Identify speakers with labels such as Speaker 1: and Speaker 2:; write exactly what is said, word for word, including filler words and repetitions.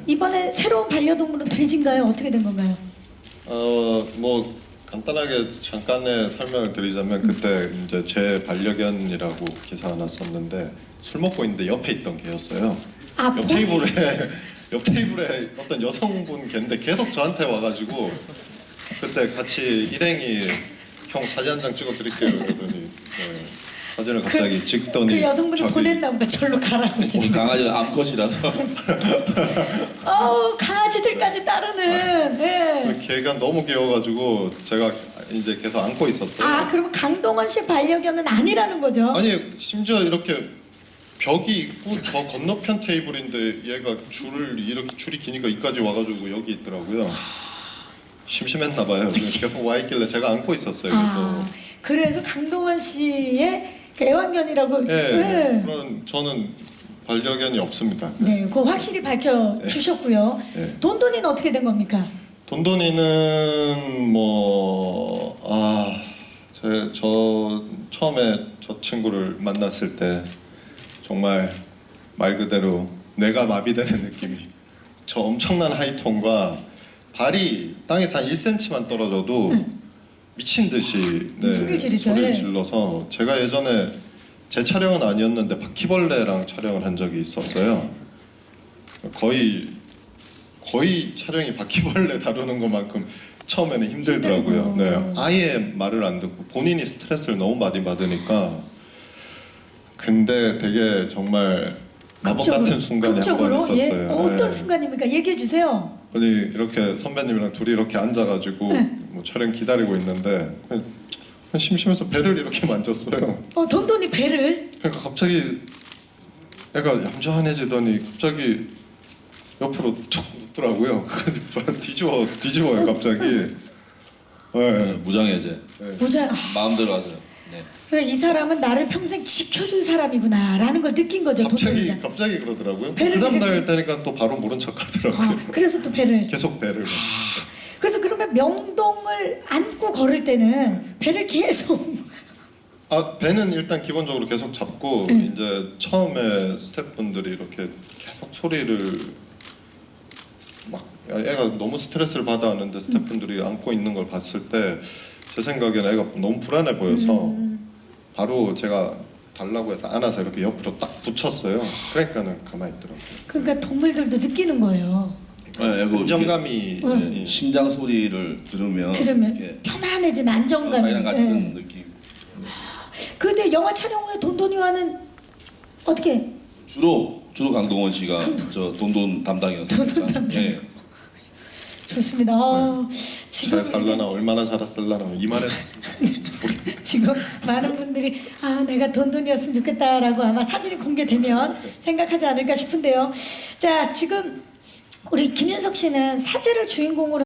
Speaker 1: 이번에 새로운 반려동물은 돼지인가요? 어떻게 된 건가요?
Speaker 2: 어, 뭐 간단하게 잠깐의 설명을 드리자면 그때 이제 제 반려견이라고 기사 하나 썼는데 술 먹고 있는데 옆에 있던 개였어요.
Speaker 1: 아,
Speaker 2: 옆
Speaker 1: 본인-
Speaker 2: 테이블에 옆 테이블에 어떤 여성분 개인데 계속 저한테 와가지고 그때 같이 일행이 형 사진 한 장 찍어드릴게요 그러더니 네, 사진을 갑자기
Speaker 1: 그,
Speaker 2: 찍더니
Speaker 1: 그 여성분이
Speaker 2: 저기
Speaker 1: 보냈나 보다. 절로 가라고.
Speaker 3: 우리 강아지가 암컷이라서
Speaker 1: 어 강아지들까지 따르는. 네.
Speaker 2: 그 개가 너무 귀여워가지고 제가 이제 계속 안고 있었어요.
Speaker 1: 아 그러면 강동원 씨 반려견은 아니라는 거죠?
Speaker 2: 아니 심지어 이렇게 벽이 있고 저 건너편 테이블인데 얘가 줄을 이렇게 줄이 기니까 이까지 와가지고 여기 있더라고요. 심심했나 봐요. 그래서 계속 와 있길래 제가 안고 있었어요. 그래서
Speaker 1: 아, 그래서 강동원 씨의 그 애완견이라고.
Speaker 2: 예,
Speaker 1: 네.
Speaker 2: 그런 저는 반려견이 없습니다.
Speaker 1: 네, 그거 확실히 밝혀 주셨고요.
Speaker 2: 네.
Speaker 1: 돈돈이는 어떻게 된 겁니까?
Speaker 2: 돈돈이는 뭐 아, 제, 저 처음에 저 친구를 만났을 때 정말 말 그대로 뇌가 마비되는 느낌이. 저 엄청난 하이톤과 발이 땅에서 한 일 센티미터만 떨어져도 미친 듯이 네,
Speaker 1: 소리를 지르죠.
Speaker 2: 소리를
Speaker 1: 예.
Speaker 2: 질러서 제가 예전에 제 촬영은 아니었는데 바퀴벌레랑 촬영을 한 적이 있었어요. 거의 거의 촬영이 바퀴벌레 다루는 것만큼 처음에는 힘들더라고요.
Speaker 1: 힘들고.
Speaker 2: 네, 아예 말을 안 듣고 본인이 스트레스를 너무 많이 받으니까. 근데 되게 정말 마법
Speaker 1: 극적으로,
Speaker 2: 같은 순간이 한 번
Speaker 1: 극적으로?
Speaker 2: 있었어요.
Speaker 1: 예? 어떤
Speaker 2: 네.
Speaker 1: 순간입니까? 얘기해 주세요.
Speaker 2: 아니 이렇게 선배님이랑 둘이 이렇게 앉아가지고
Speaker 1: 네.
Speaker 2: 뭐 촬영 기다리고 있는데 그냥, 그냥 심심해서 배를 이렇게 만졌어요.
Speaker 1: 어, 돈돈이 배를.
Speaker 2: 그러니까 갑자기 애가 얌전해지더니 갑자기 옆으로 툭 눕더라고요. 그래서 뒤집어 뒤집어요 갑자기. 네.
Speaker 3: 무장해제
Speaker 2: 네.
Speaker 1: 무자. 아,
Speaker 3: 마음대로 하세요. 네.
Speaker 1: 그러니까 이 사람은 나를 평생 지켜줄 사람이구나라는 걸 느낀 거죠.
Speaker 2: 갑자기
Speaker 1: 돈돈이가.
Speaker 2: 갑자기 그러더라고요.
Speaker 1: 배를
Speaker 2: 그 다음
Speaker 1: 뒤집어-
Speaker 2: 날 되니까 또 바로 모른 척하더라고요.
Speaker 1: 아, 그래서 또 배를.
Speaker 2: 계속 배를. 만졌어요.
Speaker 1: 그래서 그러면 명동을 안고 걸을 때는 배를 계속.
Speaker 2: 아 배는 일단 기본적으로 계속 잡고
Speaker 1: 응.
Speaker 2: 이제 처음에 스태프분들이 이렇게 계속 소리를 막 애가 너무 스트레스를 받아 하는데 스태프분들이 안고 있는 걸 봤을 때 제 생각에는 애가 너무 불안해 보여서
Speaker 1: 음.
Speaker 2: 바로 제가 달라고 해서 안아서 이렇게 옆으로 딱 붙였어요. 그러니까는 가만히 있더라고요.
Speaker 1: 그러니까 동물들도 느끼는 거예요.
Speaker 3: 네, 그
Speaker 2: 안정감이
Speaker 1: 응.
Speaker 3: 예, 심장 소리를 들으면
Speaker 1: 들으면
Speaker 3: 이렇게
Speaker 1: 편안해진
Speaker 3: 어,
Speaker 1: 안정감이.
Speaker 3: 자기랑 같은
Speaker 1: 예.
Speaker 3: 느낌.
Speaker 1: 근데 영화 촬영 후에 돈돈이와는 어떻게?
Speaker 3: 주로 주로 강동원 씨가 저 돈돈 담당이었습니다.
Speaker 1: 돈돈 담당.
Speaker 3: 예.
Speaker 1: 좋습니다. 아, 지금
Speaker 2: 잘 살라나 얼마나 살았을라나 이만해졌습니다.
Speaker 1: 지금 많은 분들이 아 내가 돈돈이었으면 좋겠다라고 아마 사진이 공개되면 생각하지 않을까 싶은데요. 자 지금 우리 김윤석 씨는 사제를 주인공으로